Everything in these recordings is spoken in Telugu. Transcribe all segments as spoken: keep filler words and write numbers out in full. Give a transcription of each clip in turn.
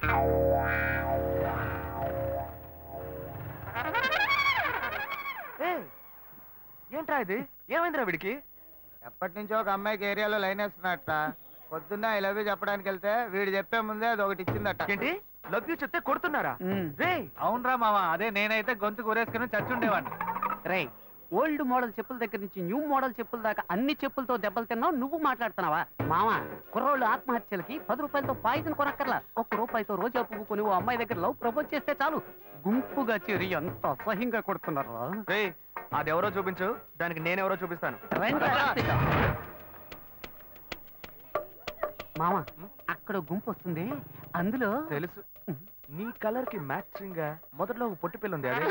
ఏంట్రా ఇది? ఏమైందిరా వీడికి? ఎప్పటి నుంచో ఒక అమ్మాయికి ఏరియాలో లైన్ వేస్తున్నట్ట. పొద్దున్న ఐ లవ్ యూ చెప్పడానికి వెళ్తే వీడు చెప్పే ముందే అది ఒకటి ఇచ్చిందట. ఏంటి లవ్ యూ చెప్తే కొడుతున్నారా? రే అవునరా మామ, అదే నేనైతే గొంతు కూరేసుకుని చచ్చుండేవాడిని. రే ఓల్డ్ మోడల్ చెప్పుల దగ్గర నుంచి న్యూ మోడల్ చెప్పుల దాకా అన్ని చెప్పులతో దెబ్బలు తిన్నావు, నువ్వు మాట్లాడుతున్నావా? మావా, కుర్రోళ్ళు ఆత్మహత్యలకి పది రూపాయలతో పాయిజన్ కొనక్కర్లా. ఒక్క రూపాయితో రోజా పువ్వు కొని ఓ అమ్మాయి దగ్గర లవ్ ప్రపోజ్ చేస్తే చాలు, గుంపుగా చేరి ఎంత అసహ్యంగా కొడుతున్నారు. రే అదెవరో చూపించు, దానికి నేనెవరో చూపిస్తాను. మామా, అక్కడ గుంపు వస్తుంది, అందులో తెలుసు. నీ కలర్ కి మ్యాచింగ్ గా మొదట్లో ఒక పొట్టి పిల్ల ఉంది, అదే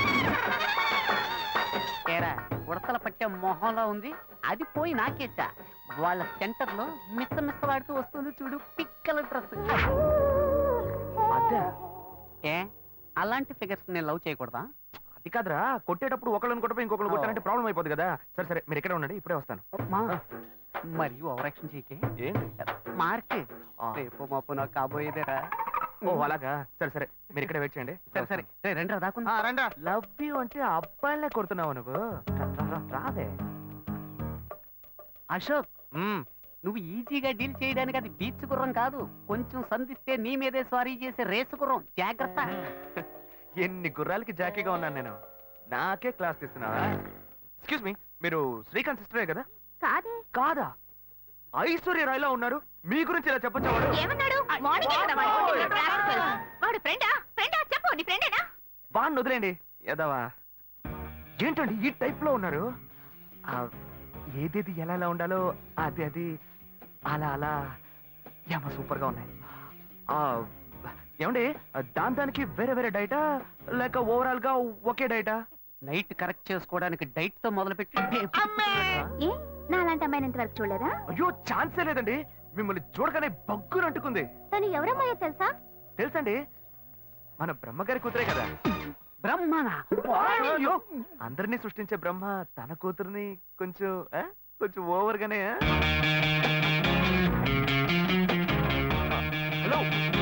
ఏరా ఉడతల పట్టే మొహంలో ఉంది, అది పోయి నాకేసా. వాళ్ళ సెంటర్ లో మిస్స మిస్సలాడుతూ వస్తుంది చూడు, పిక్కల డ్రెస్. అదే ఏ అలాంటి ఫిగర్స్ నేను లవ్ చేయకూడదా? అది కాదురా, కొట్టేటప్పుడు ఒకళ్ళని కొట్టపోయి ఇంకొకరు కొట్టాలంటే ప్రాబ్లం అయిపోతుంది కదా. సరే సరే మీరు ఇక్కడే ఉండండి, ఇప్పుడే వస్తాను. మరి ఓవరాక్షన్ చేయకే. ఏంటి మార్క్ రేపు మాపు నాకు కాబోయేదేరా. ఓ అలాగా, సరే సరే మీరు ఇక్కడే వెయిట్ చేయండి. సరే సరే రే రండి దాకుందా. రండా. లవ్ యూ అంటే అబ్బాయిలే కొడుతున్నావు నువ్వు, రాదే. అశోక్, నువ్వు ఈజీగా డీల్ చేయడానికి అది బీచ్ గుర్రం కాదు, కొంచెం సంధిస్తే నీ మీదే స్వారీ చేసే రేసు గుర్రం, జాగ్రత్త. ఎన్ని గుర్రాలకి జాకీగా ఉన్నాను నేను, నాకే క్లాస్ తీస్తున్నావా? ఎక్స్క్యూజ్ మీ, మీరు శ్రీకాంత్ సిస్టరే కదా? కాదే. కాదా? ఐశ్వర్య రాయ్లా ఉన్నారు, మీ గురించి ఇలా చెప్పొచ్చా? వాడిని వదిలేండి ఎదవా. ఏంటండి ఈ టైప్ లో ఉన్నారు? ఏదేది ఎలా ఎలా ఉండాలో అది అది అలా అలా ఏమో సూపర్ గా ఉన్నాయి. ఏమండి దాని దానికి వేరే వేరే డైటా లేక ఓవరాల్ గా ఒకే డైటా? నైట్ కరెక్ట్ చేసుకోవడానికి డైట్ తో మొదలు పెట్టి నాలాంటి అమ్మాయిని ఇంతవరకు చూడలేదా? అయ్యో ఛాన్సే లేదండి, మిమ్మల్ని చూడగానే బగ్గును అంటుకుంది. తను ఎవరమ్మాయో తెలుసా? తెలుసండి, మన బ్రహ్మగారి కూతురే కదా. బ్రహ్మనా? అందరినీ సృష్టించే బ్రహ్మ తన కూతుర్ని కొంచెం కొంచెం ఓవర్ గానే. హలో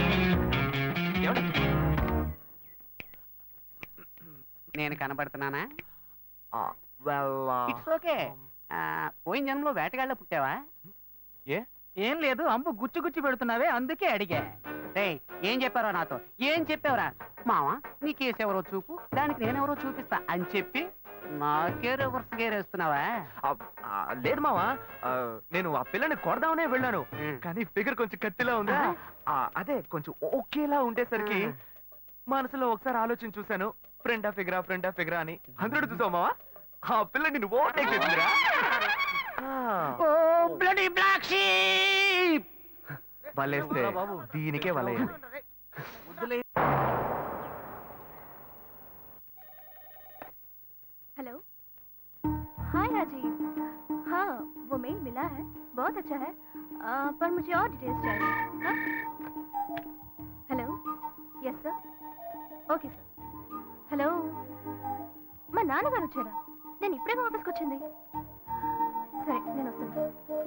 నేను కనబడుతున్నానా? It's okay. పోయిన జన్మలో వేటగాళ్ళ పుట్టావా? ఏ ఏం లేదు, అంబు గుచ్చి గుచ్చి పెడుతున్నావే అందుకే అడిగా. రే ఏం చెప్పారో నాతో, ఏం చెప్పావురా? మావా నీ కేసు ఎవరో చూపు, దానికి నేనెవరో చూపిస్తా అని చెప్పి నాకే రివర్స్ గేరేస్తున్నావా? లేదు మావా, నేను ఆ పిల్లని కొడదామనే వెళ్ళాను, కానీ ఫిగర్ కొంచెం కత్తిలా ఉందా, అదే కొంచెం ఓకేలా ఉండేసరికి మనసులో ఒకసారి ఆలోచన చూశాను, ఫ్రెండ్ ఆ ఫిగరా ఫ్రెండ్ ఆ ఫిగరా అని. హండ్రెడ్ చూసావు మావా, ఆ పిల్ల నిన్ను ఓవర్టేక్ చేసిందిరా. వలేస్తే దీనికే వలయ్యాలి. हेलो, हाय राजीव। हाँ वो मेल मिला है, बहुत अच्छा है, आ, पर मुझे और डिटेल्स चाहिए। हाँ hello, yes sir, okay sir. Hello, మా నాన్నగారు వచ్చారా? నేను ఇప్పుడే ఆఫీస్కి వచ్చింది. సరే నేను వస్తాను.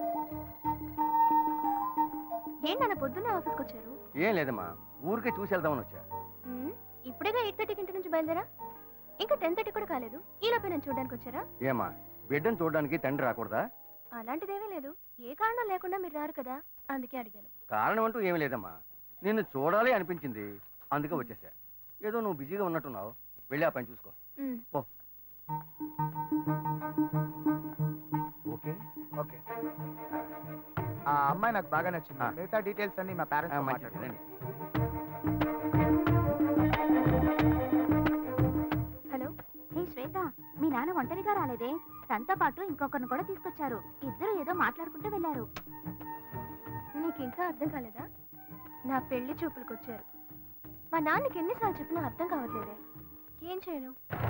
ఏంటన్న పొద్దున్నే ఆఫీస్కి వచ్చారు? ఏం లేదమ్మా, ఊరికే చూసి వెళ్దామని వచ్చా. ఇప్పుడేగా ఎయిట్ థర్టీకి ఇంటి నుంచి బయలుదేరా, ఇంకా టెన్ థర్టీ కూడా కాలేదు, ఈ లోపే నేను చూడడానికి వచ్చారా? ఏమా బిడ్డను చూడడానికి తండ్రి రాకూడదా? అలాంటిదేమీ లేదు, ఏ కారణం లేకుండా మీరు రారు కదా, అందుకే అడిగాను. కారణం అంటూ ఏమీ లేదమ్మా, నిన్ను చూడాలి అనిపించింది, అందుకే వచ్చేసా. ఏదో నువ్వు బిజీగా ఉన్నట్టున్నావు, వెళ్ళి ఆ పని చూసుకో. Okay okay. ఆ అమ్మాయి నాకు బాగా నచ్చింది, మిగతా డీటెయిల్స్ అన్ని మా పేరెంట్స్ మాట్లాడండి. హలో, హే శ్వేత, మీ నాన్న ఒంటరిగా రాలేదే, తనతో పాటు ఇంకొకరిని కూడా తీసుకొచ్చారు, ఇద్దరు ఏదో మాట్లాడుకుంటూ వెళ్ళారు. నీకు ఇంకా అర్థం కాలేదా? నా పెళ్లి చూపులకు వచ్చారు. మా నాన్నకి ఎన్నిసార్లు చెప్పినా అర్థం కావట్లేదే, ఏం చేయను?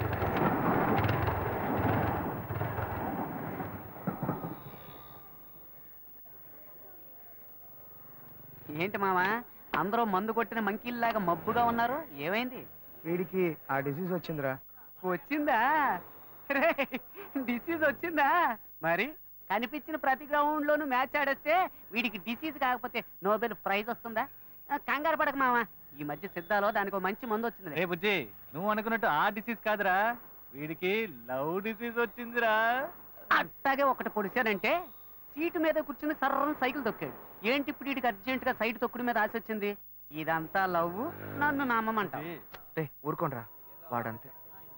ఏంటి మామా, అందరూ మందు కొట్టిన మంకీల్లాగా మబ్బుగా ఉన్నారు, ఏమైంది? వీడికి ఆ డిసీజ్ వచ్చిందిరా. వచ్చిందా? డిసీజ్ వచ్చిందా? మరి కనిపించిన ప్రతి గ్రౌండ్ లోను మ్యాచ్ ఆడేస్తే వీడికి డిసీజ్ కాకపోతే నోబెల్ ప్రైజ్ వస్తుందా? కంగారు పడక మామ, ఈ మధ్య సిద్ధాలో దానికి ఒక మంచి మందు వచ్చింది. రే బుజ్జి, నువ్వు అనుకున్నట్టు ఆ డిసీజ్ కాదురా, వీడికి లవ్ డిసీజ్ వచ్చిందిరా. అట్టాగే ఒకటి పొడిచానంటే సీటు మీద కూర్చుని సర్రని సైకిల్ తొక్కాడు. ఏంటి ఇప్పుడు వీడికి అర్జెంట్ గా సైడ్ తొక్కుడు మీద ఆశ వచ్చింది? ఇదంతా లవ్, నన్ను నమ్మమంట. రే ఊరుకోనరా, వాడంతే.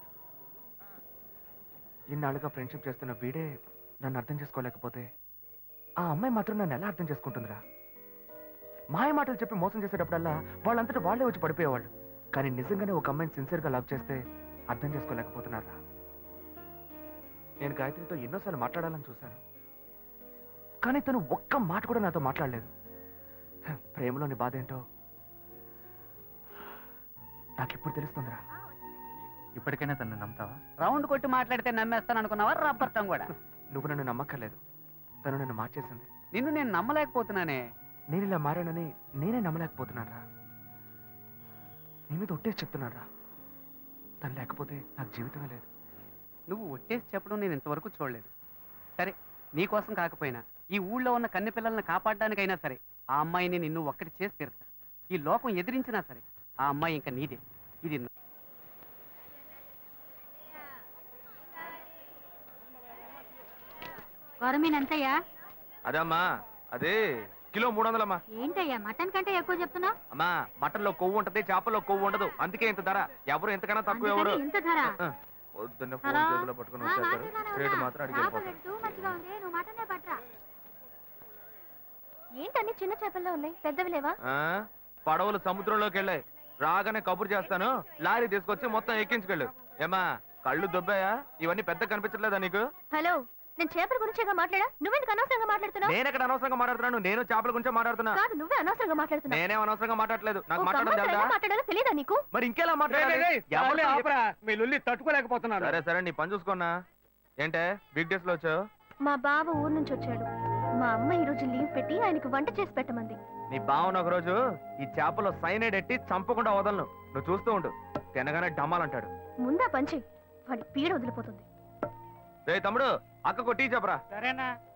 ఇన్నాళ్ళుగా ఫ్రెండ్షిప్ చేస్తున్న వీడే నన్ను అర్థం చేసుకోలేకపోతే ఆ అమ్మాయి మాత్రం నన్ను ఎలా అర్థం చేసుకుంటుందిరా? మాయ మాటలు చెప్పి మోసం చేసేటప్పుడల్లా వాళ్ళంతటా వాళ్ళే వచ్చి పడిపోయేవాళ్ళు. కానీ నిజంగానే ఒక అమ్మాయిని సిన్సియర్గా లవ్ చేస్తే అర్థం చేసుకోలేకపోతున్నారా? నేను గాయత్రితో ఎన్నోసార్లు మాట్లాడాలని చూశాను, కానీ తను ఒక్క మాట కూడా నాతో మాట్లాడలేదు. ప్రేమలోని బాధ ఏంటో నాకు ఇప్పుడు తెలుస్తుందిరా. ఇప్పటికైనా తను నమ్ముతావా? రౌండ్ కొట్టి మాట్లాడితే నమ్మేస్తాను అనుకున్నావా? రబ్బర్తం కూడా. నువ్వు నన్ను నమ్మక్కర్లేదు, తను నన్ను మార్చేసింది. నిన్ను నేను నమ్మలేకపోతున్నానే. నేను ఇలా మారానని నేనే నమ్మలేకపోతున్నారా? నీ మీద ఒట్టేసి చెప్తున్నారా, తను లేకపోతే నాకు జీవితమే లేదు. నువ్వు ఒట్టేసి చెప్పడం నేను ఇంతవరకు చూడలేదు. సరే, నీకోసం కాకపోయినా ఈ ఊళ్ళో ఉన్న కన్నె పిల్లల్ని కాపాడడానికైనా సరే ఆ అమ్మాయిని నిన్ను ఒక్కటి చేసి తీరుతా. ఈ లోకం ఎదిరించినా సరే ఆ అమ్మాయి ఇంకా నీదే. ఇది కొరమీన్ ఎంతయ్యా? అదమ్మా, అదే కిలో మూడు వందలమ్మా. ఏంటయ్యా మటన్ కంటే ఎక్కువ చెప్తున్నా? అమ్మా, మటన్ లో కొవ్వు ఉంటది, చేపల్లో కొవ్వు ఉండదు, అందుకే ఇంత ధర. ఎవరు ఎంతకన్నా తక్కువ ఎవరు. ఇంత ధర? ఆ, పొద్దున్న ఫోన్ చేతిలో పట్టుకుని వచ్చేస్తారు, రేటు మాత్రం అడిగి వెళ్ళిపోతారు. ఏంటన్ని చిన్న చేపల్లో ఉన్నాయి, పెద్దవి లేవా? ఆ, పడవలు సముద్రంలోకి వెళ్ళాయి, రాగానే కబురు చేస్తాను, లారీ తీసుకొచ్చి మొత్తం ఎక్కించుకెళ్ళు. ఏమా కళ్ళు దొబ్బాయా? ఇవన్నీ పెద్ద కనిపించట్లేదా నీకు? హలో, నేను చేపల గురించేగా మాట్లాడా, నువ్వెందుకు అనవసరంగా మాట్లాడుతున్నావు? నేను ఎక్కడ అనవసరంగా మాట్లాడుతున్నాను, నేను చేపల గురించే మాట్లాడుతున్నా. కాదు, నువ్వే అనవసరంగా మాట్లాడుతున్నావు. నేనేం అనవసరంగా మాట్లాడలేదు, నాకు ఒక మాట్లాడడం అమ్మాయితో తెలుసా? ఎలా మాట్లాడాలో తెలియదా నీకు? మరి ఇంకెలా మాట్లాడాలి? ఎవరితో- మీ లొల్లి తట్టుకోలేకపోతున్నాను. సరే సరే, నీ పని చూసుకున్నా. ఏంటే వీక్ డేస్ లో వచ్చావు? మా బావ ఊరు నుంచి వచ్చాడు. మా అమ్మ ఈ రోజు లీవ్ పెట్టి ఆయనకు వంట చేసి పెట్టమంది. నీ బావన ఒక రోజు ఈ చేపలో సైనైడ్ ఎట్టి చంపకుండా వదలను, నువ్వు చూస్తూ ఉండు. తినగానే డమ్మాలంటాడు. ముందా పంచి వాడి పీడ వదిలిపోతుంది. రే తమ్ముడు, అక్కకు టీ చెప్పరా. సరేనా?